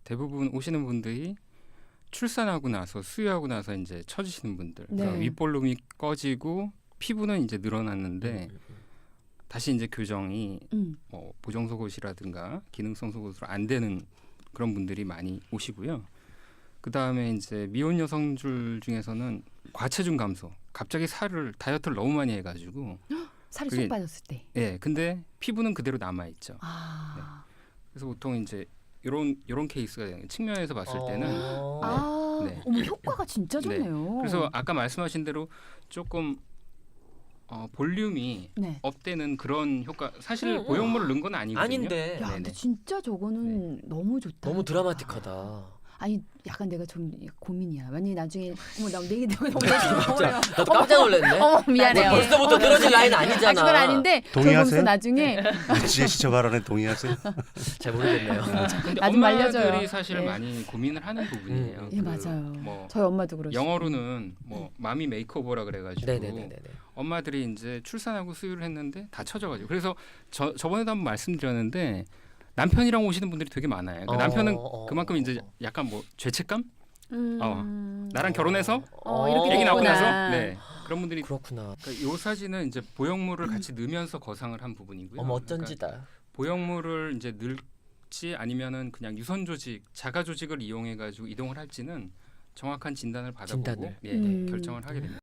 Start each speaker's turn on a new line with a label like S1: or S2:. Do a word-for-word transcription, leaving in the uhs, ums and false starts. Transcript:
S1: 대부분 오시는 분들이 출산하고 나서 수유하고 나서 이제 처지시는 분들, 그러니까
S2: 네.
S1: 윗볼륨이 꺼지고 피부는 이제 늘어났는데 다시 이제 교정이
S2: 음.
S1: 뭐 보정 속옷이라든가 기능성 속옷으로 안 되는 그런 분들이 많이 오시고요. 그 다음에 이제 미혼 여성들 중에서는 과체중 감소, 갑자기 살을 다이어트를 너무 많이 해가지고,
S2: 살이
S1: 그게-
S2: 쏙 빠졌을 때.
S1: 예, 근데 피부는 그대로 남아 있죠.
S2: 아.
S1: 그래서 보통 이제 이런 이런 케이스가 되는 거예요. 측면에서 봤을 때는
S3: 어.
S2: 아.
S1: 네.
S2: 어머 효과가 진짜
S1: 네.
S2: 좋네요.
S1: 그래서 아까 말씀하신 대로 조금 어, 볼륨이
S2: 네.
S1: 업되는 그런 효과. 사실
S3: 음, 음.
S1: 보형물을 넣은 건 아니거든요.
S3: 아닌데
S2: 야, 근데
S1: 네네.
S2: 진짜 저거는 너무 좋다.
S3: 너무 드라마틱하다.
S2: 아니 약간 내가 좀 고민이야. 만약에 나중에 어머 나 내기 너무 너무
S3: 진짜 나도 깜짝 놀랐네.
S2: 어머 미안해요.
S3: 뭐 벌써부터 늘어질 라인
S2: 아
S3: 아니잖아.
S2: 그건 아닌데 저
S4: 동의하세요?
S2: 보면서 나중에
S4: 지혜 씨 저 발언에 동의하세요?
S3: 잘 모르겠네요.
S1: 근데
S2: 나 좀 말려줘요.
S1: 엄마들이 사실
S2: 예.
S1: 많이 고민을 하는 부분이에요.
S3: 음.
S2: 예 맞아요.
S1: 뭐
S2: 저희 엄마도 그러시고.
S1: 영어로는 뭐 마미 메이크오버라 그래가지고
S3: 네네네네.
S1: 엄마들이 이제 출산하고 수유를 했는데 다 처져가지고 그래서 저 저번에도 한번 말씀드렸는데 남편이랑 오시는 분들이 되게 많아요. 그러니까
S3: 어,
S1: 남편은
S3: 어,
S1: 그만큼
S3: 어,
S1: 이제
S3: 어.
S1: 약간 뭐 죄책감?
S2: 음...
S1: 어. 나랑 결혼해서
S2: 어, 이렇게
S1: 애기 낳고
S2: 됐구나.
S1: 나서 네 그런 분들이
S3: 그렇구나.
S1: 그러니까 이 사진은 이제 보형물을 같이 넣으면서 거상을 한 부분이고요.
S3: 어머
S1: 그러니까
S3: 어쩐지다.
S1: 보형물을 이제 넣을지 아니면은 그냥 유선 조직, 자가 조직을 이용해 가지고 이동을 할지는 정확한 진단을 받아보고
S3: 진단을.
S1: 예,
S2: 음.
S1: 결정을 하게 됩니다.